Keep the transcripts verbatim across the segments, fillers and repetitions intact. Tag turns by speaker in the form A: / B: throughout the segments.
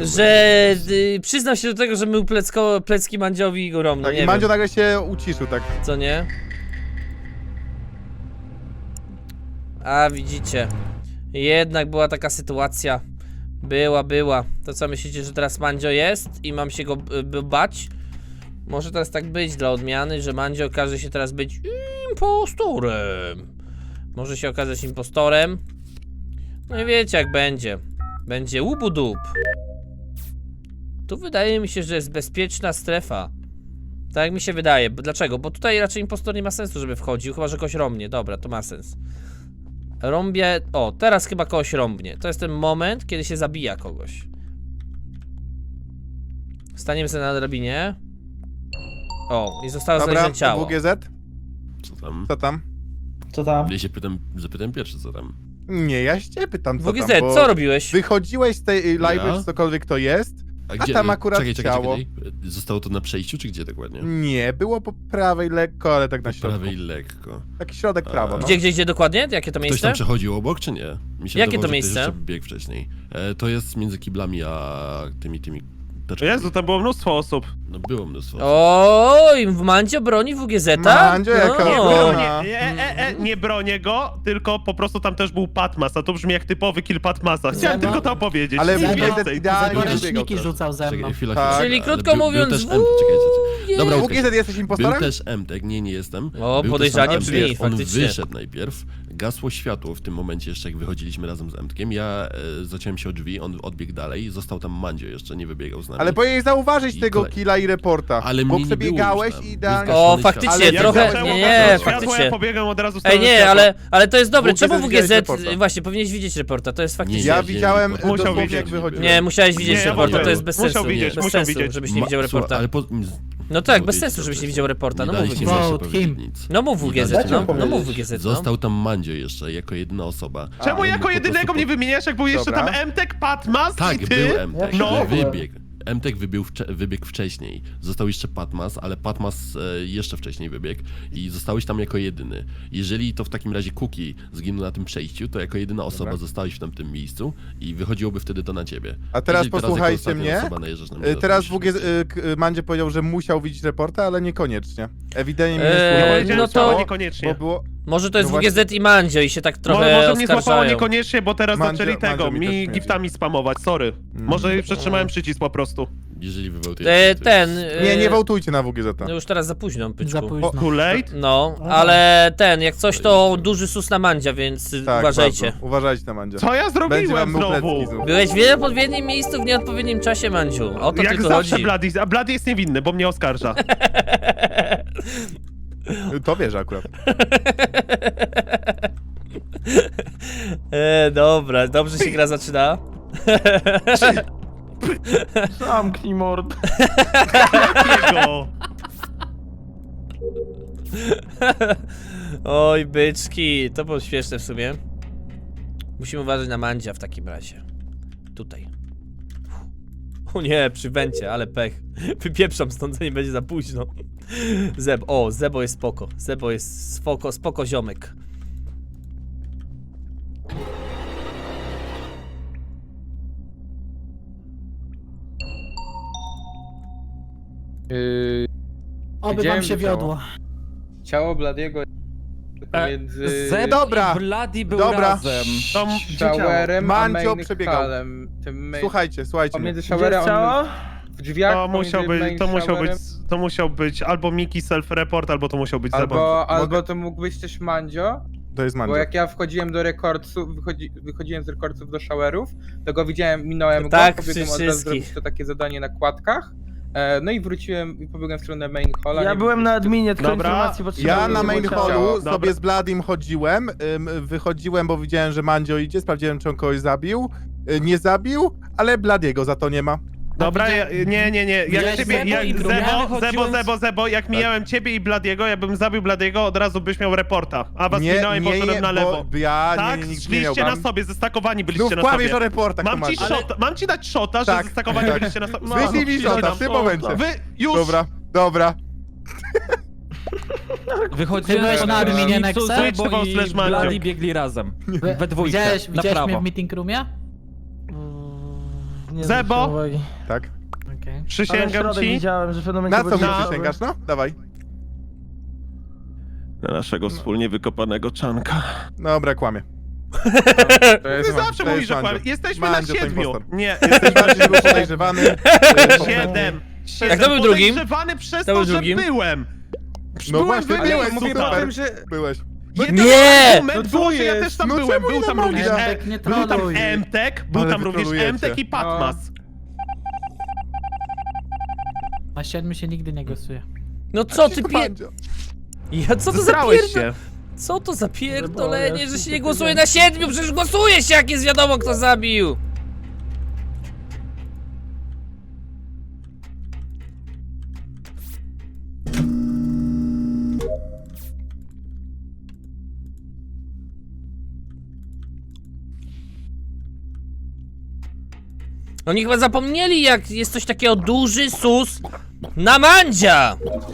A: że y, przyznał się do tego, że mył plecko, plecki Mandziowi i Goromno,
B: Tak,
A: nie
B: i Mandzio
A: wiem.
B: nagle się uciszył, tak.
A: Co nie? A widzicie, jednak była taka sytuacja. Była, była. To co, myślicie, że teraz Mandzio jest i mam się go b bać? Może teraz tak być dla odmiany, że Mandzio okaże się teraz być impostorem. Może się okazać impostorem. No i wiecie jak będzie. Będzie łubu-dup. Tu wydaje mi się, że jest bezpieczna strefa. Tak jak mi się wydaje. Dlaczego? Bo tutaj raczej impostor nie ma sensu, żeby wchodził, chyba że kogoś rąbnie. Dobra, to ma sens. Rąbię... O, teraz chyba kogoś rąbnie. To jest ten moment, kiedy się zabija kogoś. Staniemy sobie na drabinie. O, i zostało
B: Dobra,
A: znalezione ciało.
B: W G Z?
C: Co tam?
B: Co tam?
D: Co tam?
C: Ja się pytam, zapytam pierwszy, co tam.
B: Nie, ja się cię pytam, co
A: W G Z,
B: tam, bo
A: co robiłeś?
B: wychodziłeś z tej y, live,
C: Ja?
B: czy cokolwiek to jest,
C: A,
B: tam akurat
C: czekaj, czekaj,
B: ciało.
C: czekaj. Zostało to na przejściu, czy gdzie dokładnie?
B: nie, było po prawej lekko, ale tak na
C: Po
B: środku.
C: prawej lekko.
B: Taki środek
C: A.
B: prawo, no.
A: Gdzie, gdzie, gdzie dokładnie? Jakie to
C: Ktoś
A: miejsce?
C: tam przechodził obok, czy nie? Mi się
A: Jakie
C: wydawało,
A: to
C: że
A: miejsce?
C: Ktoś jeszcze biegł wcześniej. E, to jest między kiblami a tymi, tymi teczkami.
E: Jezu, tam było mnóstwo osób.
C: No było mnóstwo.
A: Oj, w Mandzio broni W G Z?
B: Mandzio jako-
E: Nie,
B: O.
E: bronię, nie, e, e, nie bronię go, tylko po prostu tam też był Patmas, a to brzmi jak typowy kill Patmasa. Chciałem
D: Zemo?
E: tylko to powiedzieć.
B: Ale
E: nic
B: W G Z
E: więcej.
B: idealnie
D: Zagorzeć
B: wybiegał
D: Niki
B: teraz.
D: rzucał ze mną.
C: Czekaj, chwila,
B: Tak.
C: chwila.
A: Czyli
C: ale
A: krótko
C: był,
A: mówiąc,
C: był też
A: w-
C: M, czekaj, czekaj. Dobra,
B: W
C: okej.
B: G Z jesteś
C: Był
B: impostorem?
C: też M-Tek, nie, nie jestem.
A: O,
C: Był
A: podejrzanie
C: też tam
A: brzmi,
C: M-Tek. On
A: faktycznie.
C: wyszedł najpierw, gasło światło w tym momencie jeszcze, jak wychodziliśmy razem z M-Tkiem. Ja e, zaciąłem się o drzwi, on odbiegł dalej, został tam Mandzio jeszcze, nie wybiegał z nami.
B: Ale powinieneś zauważyć
C: I
B: tego
C: kolej-
B: killa i reporta,
C: Ale
B: bo
C: mnie nie było
B: przebiegałeś
C: już tam.
B: i idealnie...
C: Był
A: O,
C: zgaszony
A: faktycznie,
C: światło.
B: Ale
A: trochę...
B: jak
E: zaczęło
A: Nie,
E: gasnąć
A: nie,
E: światło,
A: faktycznie.
E: ja pobiegłem od razu z
A: Ej, nie, ale, ale to jest dobre.
B: W G Z
A: Czemu W G Z...
B: widziałeś reporta.
A: Właśnie, powinieneś widzieć reporta, to jest faktycznie...
C: Nie,
B: Ja
C: nie,
B: widziałem
C: nie, nie,
E: Musiał
B: dosłownie
E: widzieć.
B: jak wychodziłem.
A: Nie, musiałeś widzieć
E: Nie,
A: reporta,
E: musiał-
A: to jest bez
E: musiał
A: sensu.
E: widzieć,
A: bez
E: musiał
A: sensu,
E: widzieć.
A: żebyś nie
C: Ma-
A: widział
C: słuchaj,
A: reporta.
C: ale po...
A: No tak,
C: Nie
A: bez
C: powiedzieć
A: sensu,
C: to
A: żebyś nie
C: wcześniej.
A: widział reporta, no
C: Nie
A: mów
C: daliście
A: W G
C: mi
A: Z.
C: jeszcze
D: Vote
C: powiedzieć
D: him.
C: nic.
A: No mów W G Z,
C: daliście
A: no,
C: mi
A: no
C: powiedzieć.
A: mów W G Z, no.
C: Został tam Mandzio jeszcze, jako jedna osoba.
E: Czemu
C: On
E: jako
C: po
E: jedynego
C: prostu
E: mnie wymieniasz, jak był jeszcze
B: Dobra.
E: tam M-Tek, Patmas
C: Tak,
E: i ty?
C: był M-Tek,
E: No.
C: ale wybiegł. M-Tek wybiegł, wcze- wybiegł wcześniej. Został jeszcze Patmas, ale Patmas e, jeszcze wcześniej wybiegł i zostałeś tam jako jedyny. Jeżeli to w takim razie Kuki zginął na tym przejściu, to jako jedyna osoba
B: Dobra.
C: zostałeś w tamtym miejscu i wychodziłoby wtedy to na ciebie.
B: A teraz
C: Jeżeli jako
B: posłuchajcie
C: ostatnia
B: mnie.
C: osoba najeżdżasz na mnie,
B: Y,
C: to
B: Teraz
C: musisz
B: W G Z,
C: mieć-
B: y, k- y, Mandzie powiedział, że musiał widzieć reporta, ale niekoniecznie. Ewidentnie mnie
A: Eee,
E: Nie
B: nie
E: powiedziałem,
A: no
E: że
A: to-
E: to niekoniecznie.
B: bo było...
A: Może to jest
B: No
A: W G Z i Mandzio i się tak
E: Mo-
A: trochę
E: może mnie złapało
A: oskarżają.
E: niekoniecznie, bo teraz
B: Mandzio-
E: zaczęli tego,
B: Mandzio mi też
E: mi
B: nie
E: giftami spamować, sorry. Może przetrzymałem przycisk po prostu.
C: Jeżeli wywołtujesz...
A: E,
C: to
A: ten...
C: jest-
B: Nie, nie
A: e,
B: wołtujcie na W G Z.
A: No już teraz za późno, pyczku.
D: Za późno.
E: Too late?
A: No, ale ten, jak coś to duży sus na Mandzia, więc
B: Tak,
A: uważajcie.
B: bardzo. Uważajcie na Mandzie.
E: Co ja
B: Będzie
E: zrobiłem
B: wam mył
E: znowu?
B: plecki znów.
A: Byłeś w nieodpowiednim miejscu w nieodpowiednim czasie, Mandziu. O to
E: Jak
A: tylko
E: zawsze
A: chodzi.
E: Bloody, a Bloody jest niewinny, bo mnie oskarża.
B: To wiesz akurat.
A: E, dobra, dobrze się gra zaczyna.
D: Zamknij mord.
E: Jego.
A: Oj, byczki, to było śmieszne w sumie. Musimy uważać na Mandzia w takim razie. Tutaj. O nie, przy wencie, ale pech. Wypieprzam stąd, to nie będzie za późno. Zeb, o, Zebo jest spoko. Zebo jest spoko, spoko ziomek.
F: Yy,
D: Oby
F: Widziałem
D: wam się
F: to ciało.
D: wiodło.
F: ciało Bladiego pomiędzy
G: Zeb
B: Dobra,
G: i Bloody był
B: dobra.
G: razem.
E: To
F: showerem a
B: Mandzio
F: main
B: przebiegał.
F: hallem. Tym main...
B: Słuchajcie, słuchajcie mnie.
F: Pomiędzy showerem a w drzwiach
E: To musiał
F: pomiędzy
E: być,
F: main
E: to musiał być,
F: showerem,
E: to musiał być albo Miki self-report, albo to musiał być Zebo.
F: Albo, albo
B: Mogę-
F: to mógł być też Mandzio,
B: To jest
F: bo
B: Mandzio.
F: jak ja wchodziłem do rekordców, wychodzi, wychodziłem z rekordców do showerów, to go widziałem, minąłem
A: Tak,
F: go, pobiegłem
A: przy
F: od razu
A: wszystkich.
F: zrobić to takie zadanie na kładkach. E, no i wróciłem i pobiegłem w stronę main halla.
D: Ja
F: nie
D: byłem na adminie, tylko
E: Dobra.
D: informacji potrzebowałem.
B: Ja na
D: żeby
B: main
D: było ciało.
B: hallu
E: Dobra.
B: sobie z Bladim chodziłem, ym, wychodziłem, bo widziałem, że Mandzio idzie, sprawdziłem, czy on kogoś zabił. Y, Nie zabił, ale Bladiego za to nie ma.
E: Dobra, ja, nie, nie, nie, jak
D: Widziałeś
E: ciebie,
D: Zebo
E: jak
D: i Grumia?
E: Zebo, Zebo,
G: Wychodziłem z-
E: Zebo, Zebo, jak mijałem ciebie i Bladiego, ja bym zabił Bladiego, od razu byś miał reporta, a was
B: Nie,
E: minąłem i
B: nie,
E: poszedłem
B: nie,
E: na lewo.
B: bo ja
E: Tak,
B: nie, nigdy nie
E: szliście na
B: miałbym.
E: sobie, zestakowani
B: Znów
E: byliście na
B: kłamiesz o
E: sobie.
B: reportach,
E: Mam ci,
B: Tomasz.
E: shota, mam ci dać shota, że
B: Tak,
E: zestakowani
B: tak.
E: byliście na sobie.
B: Wyślij mi shota w tym momencie.
E: Wy, już!
B: Dobra, dobra.
G: Wychodziłem
D: byłeś
G: z
D: na adminie
G: Nexe,
D: Nexe?
G: Zebo
E: Switch
G: i
E: slash Mandzio.
G: Bloody biegli razem. We dwójkę,
D: Widziałeś,
G: na
D: widziałeś mnie
G: prawo.
D: w meeting roomie? Nie
E: Zebo?
D: zwróciłem uwagi.
B: Tak?
G: Okej.
D: Ale
E: Przysięgam
D: środek
E: ci.
D: widziałem, że w pewnym momencie
B: Na co mi
D: będzie-
E: Na-
B: przysięgasz, no? Dawaj.
E: Na naszego wspólnie wykopanego czanka.
B: Dobra, kłamie.
F: To
E: Ty
F: jest
E: zawsze
B: to
E: mówisz,
B: jest
E: że
B: Mandzio.
E: kłamie. Jesteśmy
B: Mandzio
E: na
B: to
E: siedmiu.
B: impostor.
E: Nie, jesteśmy
B: Bardziej był podejrzewany. y,
E: siedem.
A: Jak to był drugim?
E: Podejrzewany przez
A: To
E: to,
A: był
E: że
A: drugim?
E: byłem.
B: No
E: byłem
B: właśnie,
E: wybiegł,
B: byłeś,
F: mówię
E: super.
F: o tym, że...
B: Byłeś.
E: Jedyny
A: Nie!
E: argument
F: No co
E: było, że ja
F: jest?
E: też tam
B: No
E: byłem.
B: czemu
E: Był
B: nie
E: tam
B: na
E: również
B: Mandzia?
E: e,
G: Emtek, nie
E: był tam
G: troluj.
E: Emtek, był
B: Ale
E: tam
B: wy
E: również
B: trolujecie.
E: Emtek i Patmas.
G: Na siedmiu się nigdy nie głosuje.
A: No co ty
B: Cicho,
A: pier...
B: Mandzio.
A: Ja co to za
E: Zesrałeś
A: pierdol...
E: się.
A: Co to za pierdolenie,
D: ja
A: że się
D: się
A: nie
D: nie
A: głosuje na siedmiu? Przecież głosuje się, jak jest wiadomo, kto zabił! Oni chyba zapomnieli, jak jest coś takiego duży sus na Mandzia!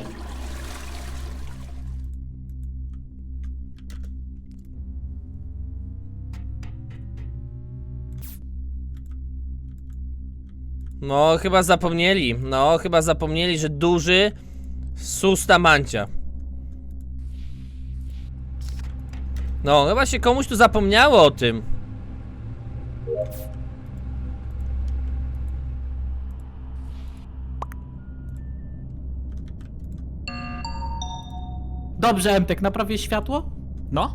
A: No, chyba zapomnieli. No, chyba zapomnieli, że duży sus na Mandzia. No, chyba się komuś tu zapomniało o tym.
G: Dobrze, Emtek, naprawię światło?
H: No,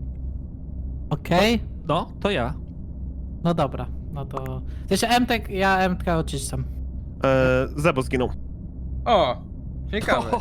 G: Okej.
H: no, to ja.
G: No dobra, no to... Jeszcze Emtek, ja Emtka oczyszczam.
E: E, Zebo zginął.
F: O, ciekawe.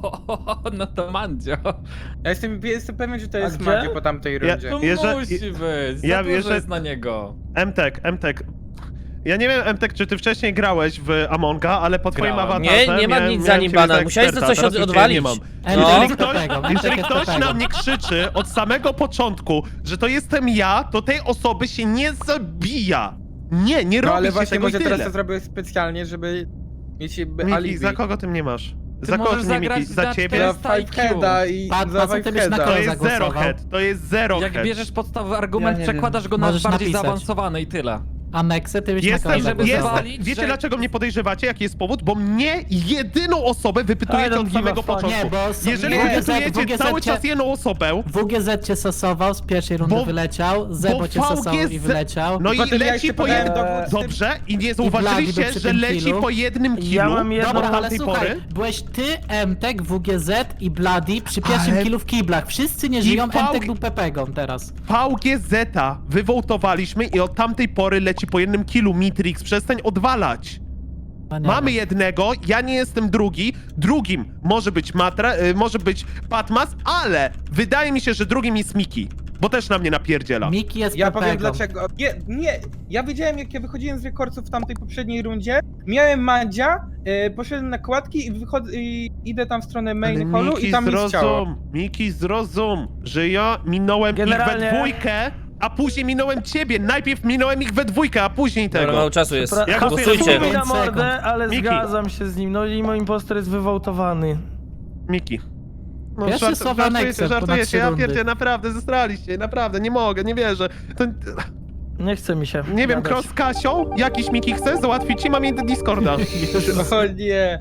H: No to Mandzio.
F: Ja jestem, jestem pewien, że to
D: A
F: jest
D: gdzie?
F: Mandzio po tamtej
E: Ja-
F: rundzie.
H: To
E: Jeże-
H: musi być,
E: ja
H: za dużo
E: wierzę-
H: jest na niego.
E: Emtek, Emtek. Ja nie wiem, Emtek, czy ty wcześniej grałeś w Amonga, ale po twoim
H: Grałem.
E: awatarze...
A: Nie, nie mam
E: miałem-
A: nic za
E: miałem
A: nim
E: ciebie
A: bana.
E: za
A: Musiałeś za
E: eksperta,
A: coś
E: teraz
A: od-
E: już cię
A: odwalić.
E: Nie mam.
G: Emtek
A: No.
G: jest
E: Ktoś,
G: pepegą, Emtek
E: jeżeli
G: jest
E: ktoś
G: pepegą.
E: na mnie krzyczy od samego początku, że to jestem ja, to tej osoby się nie zabija. Nie, nie
F: No
E: robi
F: ale
E: się
F: właśnie
E: tego i
F: może teraz
E: tyle.
F: to zrobię specjalnie, żeby mieć jakby
E: Miki,
F: alibi.
E: za kogo ty mnie masz?
H: Ty
E: Za kogo
H: możesz
E: ty mnie, Miki?
H: zagrać
E: Za
H: na
E: ciebie?
F: Za
H: czterysta I Q.
F: Fiveheada i
G: Pat,
F: za
G: Pat, ty byś na
F: Fiveheada.
E: To
G: kogo
E: jest zero
G: zagłosował?
E: head, to jest zero
H: Jak
E: head.
H: bierzesz podstawowy argument,
D: Ja nie
H: przekładasz
D: wiem.
H: go na
G: Możesz
H: bardziej
G: napisać.
H: zaawansowane i tyle.
G: Aneksy, ty byś
E: Jestem,
G: na
H: żeby
G: kogo
E: jestem,
G: zagłosował?
H: zwalić,
E: wiecie
H: że-
E: dlaczego mnie podejrzewacie? Jaki jest powód? Bo mnie jedyną osobę
D: I
E: wypytujecie
D: don't
E: od
D: give a
E: samego
D: fuck.
E: początku.
G: Nie, bo są-
E: Jeżeli
F: nie,
E: wypytujecie
G: W G Z
E: cały
G: cię-
E: czas jedną osobę,
G: W G Z cię sosował, z pierwszej rundy
E: Bo-
G: wyleciał, Zebo
E: bo
G: cię sosał
E: V G Z
G: i wyleciał.
E: no i
F: Potem ja
E: leci
F: jeszcze
E: po
F: podałem
E: jednym...
F: dowód z tym-
E: Dobrze, i nie
G: Blady
E: zauważyliście,
G: był przy
E: że
G: tym
E: leci
G: killu.
E: po jednym
D: Ja
E: killu
D: mam jedno-
E: od
G: Dobra, ale
E: tamtej
G: słuchaj,
E: pory.
G: byłeś ty, Emtek, W G Z i Bloody przy pierwszym
E: Ale-
G: killu w kiblach. Wszyscy nie
E: I
G: żyją,
E: V-
G: Emtek był pepegą teraz.
E: V G Z-a wywołtowaliśmy i od tamtej pory leci po jednym killu. Mitrix, przestań odwalać.
G: No nie
E: Mamy
G: wiem.
E: jednego, ja nie jestem drugi. Drugim może być Matra, y, może być Patmas, ale wydaje mi się, że drugim jest Miki, bo też na mnie napierdziela.
G: Miki jest
F: Ja
G: pepegą.
F: powiem dlaczego. Nie, nie, ja wiedziałem jak ja wychodziłem z rekordców w tamtej poprzedniej rundzie, miałem Mandzia, y, poszedłem na kładki i, wychodzę, i idę tam w stronę main
E: Ale
F: hallu
E: Miki,
F: i tam jest ciało.
E: zrozum, Miki, zrozum, że ja minąłem
D: Generalnie-
E: ich we dwójkę, a później minąłem ciebie. Najpierw minąłem ich we dwójkę, a później
A: Dobra,
E: tego.
A: mało czasu jest.
D: Pra-
E: Jak
A: Głosujcie.
E: głosujecie?
D: Chuj mi na
G: Pięć sekund.
D: mordę, ale
E: Miki.
D: zgadzam się z nim. No i mój impostor jest wywołtowany.
E: Miki. No,
G: Pierwsze
E: żart-
G: słowa
E: żartujecie,
G: Nexem, ponad
E: żartujecie,
G: trzy
E: ja
G: rundy.
E: pierdzie, naprawdę, zestraliście, naprawdę, nie mogę, nie wierzę. To,
D: Nie chce mi się.
E: nie wiem,
D: gadać.
E: cross z Kasią, jakiś Miki chce załatwić ci, mam jej Discorda.
F: O nie.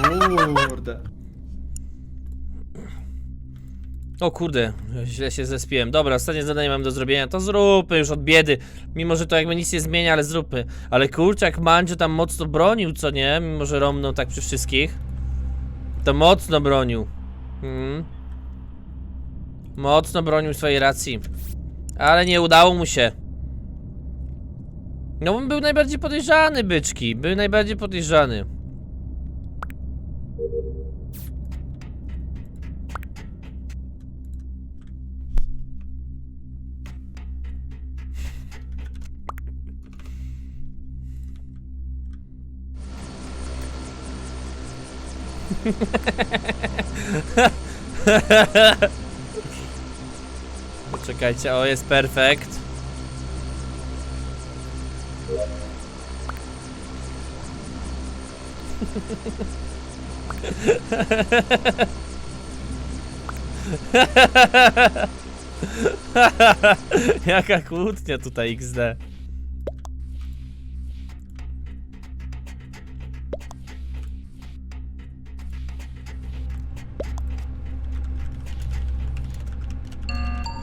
I: Kurde.
A: O kurde, źle się zespiłem. Dobra, ostatnie zadanie mam do zrobienia, to zróbmy już od biedy. Mimo, że to jakby nic nie zmienia, ale zróbmy. Ale kurczę, jak Mandzio tam mocno bronił, co nie? Mimo, że romnął tak przy wszystkich. To mocno bronił. Mhm. Mocno bronił swojej racji. Ale nie udało mu się. No on był najbardziej podejrzany, byczki. Był najbardziej podejrzany. Czekajcie, o jest perfekt. Jaka kłótnia tutaj iks de.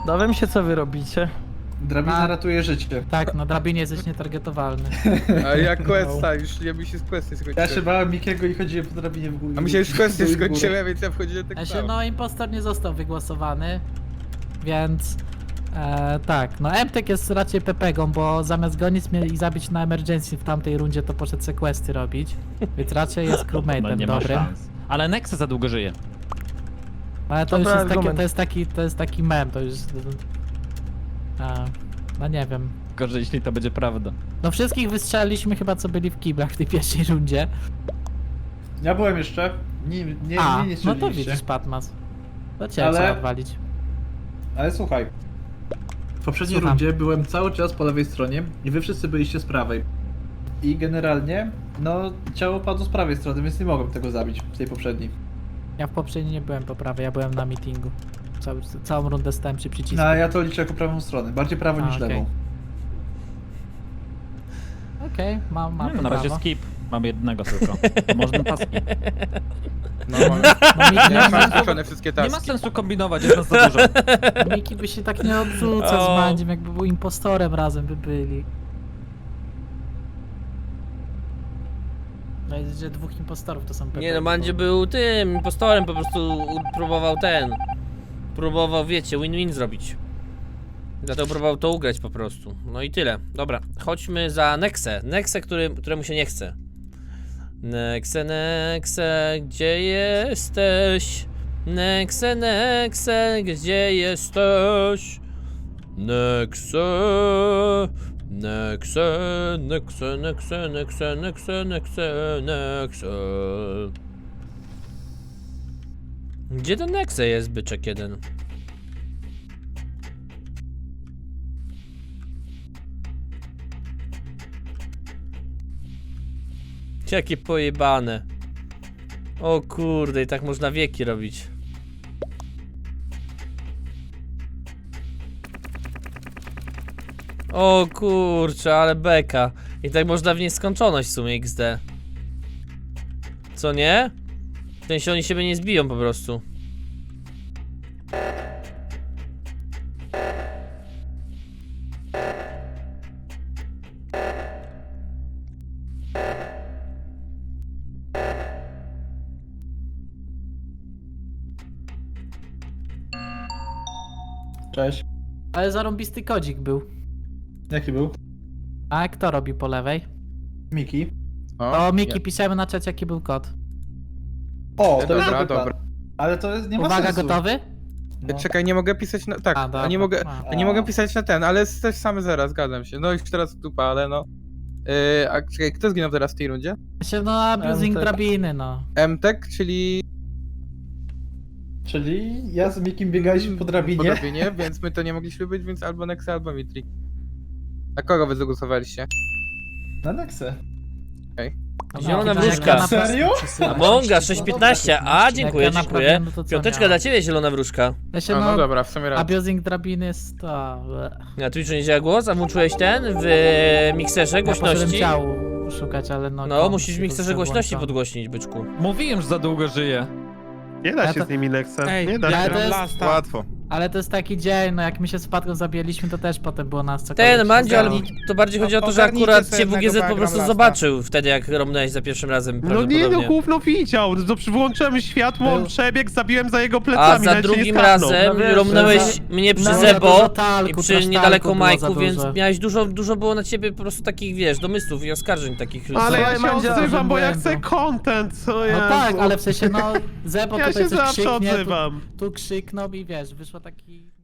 D: Dowiem się, co wy robicie.
I: Drabina
G: A.
I: ratuje życie.
G: Tak, na drabinie jesteś nietargetowalny.
F: A ja questa, już ja mi się z questy
I: Ja
F: skończyłem.
I: się bałem Mikiego i chodziłem po drabinie w górę.
F: A mi się już questy
I: w górę.
F: skończyły, więc ja wchodziłem tak
G: Ja się,
F: samo.
G: no, impostor nie został wygłosowany, więc e, tak, no Emtek jest raczej pepegą, bo zamiast gonić mnie i zabić na emergency w tamtej rundzie, to poszedł sequesty robić, więc raczej jest
H: No
G: crewmate'em
H: nie ma
G: dobrym.
H: szans. Ale Nexe za długo żyje.
G: Ale to już
D: Dobra,
G: jest taki,
D: argument.
G: to jest taki, to jest taki mem, to już... A, no nie wiem.
H: Gorzej, jeśli to będzie prawda.
G: No wszystkich wystrzeliliśmy chyba, co byli w kiblach w tej pierwszej rundzie.
I: Ja byłem jeszcze. Nie, nie,
G: A,
I: nie, nie
G: no to
I: strzeliliście.
G: widzisz, Patmas. To cię
I: Ale-
G: trzeba odwalić.
I: Ale słuchaj. W poprzedniej
G: Słucham.
I: rundzie byłem cały czas po lewej stronie i wy wszyscy byliście z prawej. I generalnie, no, ciało padło z prawej strony, więc nie mogłem tego zabić w tej poprzedniej.
G: Ja w poprzedniej nie byłem po prawej, ja byłem na meetingu. Cały, całą rundę stałem przy przycisku.
I: No, a ja to liczę jako prawą stronę. Bardziej prawo
G: A,
I: niż
G: okej.
I: lewą.
G: Okej, mam, mam
H: No,
G: to
H: na razie
G: prawo.
H: skip. Mamy jednego tylko. Można taski.
F: No, mam,
G: No, Miki,
F: ja mam skończone wszystkie
H: Nie ma
F: taski.
H: sensu kombinować, jest nas za dużo.
G: Miki by się tak nie odrzucał z
A: O.
G: Mandziem, jakby był impostorem razem by byli. No jest, że dwóch impostorów to są pewnie.
A: Nie no, Mandzie był tym impostorem, po prostu u- próbował ten. Próbował, wiecie, win-win zrobić. Dlatego próbował to ugrać po prostu. No i tyle. Dobra, chodźmy za Nexę. Nexę, który, któremu się nie chce. Nexe, Nexe, gdzie jesteś? Nexe, Nexe, gdzie jesteś? Nexe, Nexe, Nexe, Nexe, Nexe, Nexe, Nexe, Nexe. Gdzie ten Nexe jest, byczek jeden? Jakie pojebane. O kurde, i tak można wieki robić. O kurczę, ale beka. I tak można w nieskończoność w sumie X D. Co nie? W sensie oni siebie nie zbiją po prostu.
I: Cześć.
G: Ale zarąbisty kodzik był.
I: Jaki był?
G: A kto robi po lewej?
I: Miki.
G: O, Miki, piszemy na czacie jaki był kod.
I: O, to
F: Dobra,
I: jest dobry
F: dobra.
I: plan. Ale to jest, nie ma
G: Uwaga,
I: sensu.
G: gotowy?
I: No.
F: Czekaj, nie mogę pisać na... Tak,
G: A,
F: a,
G: dobra.
F: nie mogę...
G: A.
F: A nie mogę pisać na ten, ale jest też same zera, zgadzam się. No już teraz dupa, ale no. Yy, a czekaj, kto zginął teraz w tej rundzie?
G: Się no abusing
D: Emtek.
G: drabiny, no.
F: Emtek, czyli...
I: Czyli ja z Mikim biegaliśmy po drabinie.
F: Po drabinie, więc my to nie mogliśmy być, więc albo Nexa, albo Mitri. Na kogo wy zagłosowaliście?
I: Na Nexę.
A: Zielona
G: No, jak
A: wróżka.
G: ja na prosto
I: Serio?
G: przesyłam.
A: Amonga sześć piętnaście. A, dziękuję,
G: Jak ja
A: dziękuję.
G: naprawiłem, no to co
A: Piąteczka
G: miałem?
A: dla ciebie, zielona wróżka.
G: Ja się
F: A, no
G: no,
F: dobra, w sumie raz.
G: abusing drabiny jest to...
A: Na Twitchu nie działa głos, a włączyłeś ten w mikserze
G: Ja poszedłem
A: głośności?
G: ciału szukać, ale no...
A: No,
G: kom
A: musisz w
G: się
A: mikserze
G: potrzeba
A: głośności
G: włączony.
A: podgłośnić, byczku.
H: Mówiłem, że za długo żyje.
E: Nie da
G: Ja
E: się
G: to-
E: z nimi Nexe.
G: Ej,
E: Nie da
G: ja
E: się.
G: to jest-
E: Lasta.
B: Łatwo.
G: Ale to jest taki dzień, no jak my się z Patką zabijaliśmy, to też potem było nas cokolwiek
A: Ten,
G: się
A: Mandzio, ale
G: zgadzało.
A: to bardziej chodzi o to, że
F: Ogarnijcie
A: akurat
F: sobie
A: cię W G Z
F: jednego,
A: po
F: bo
A: prostu
F: ja gram
A: zobaczył wtedy, jak romnąłeś za pierwszym razem
E: No nie, no
A: prawdopodobnie.
E: gówno widział. No, wyłączyłem światło, on
G: Był-
E: przebiegł, zabiłem za jego
A: A
E: plecami.
A: za
E: nawet się nie
A: drugim
E: skapnął.
A: razem
D: No wiesz,
A: romnąłeś
G: że za-
A: mnie przy
G: No, za
A: Zebo
G: dużo talku,
A: i przy
G: trash
A: niedaleko
G: talku było za
A: Majku, więc
G: dużo.
A: miałeś dużo, dużo było na ciebie po prostu takich, wiesz, domysłów i oskarżeń takich.
E: Ale
G: Słuchaj,
E: ja się
G: Mandzio,
E: odzywam, bo ja
G: błędu.
E: chcę content, co
G: No
E: ja...
G: tak, ale w sensie no Zebo
E: Ja
G: tutaj
E: się
G: coś
E: zawsze
G: krzyknie, tu,
E: odzywam.
G: tu krzyknął i wiesz, wyszło taki...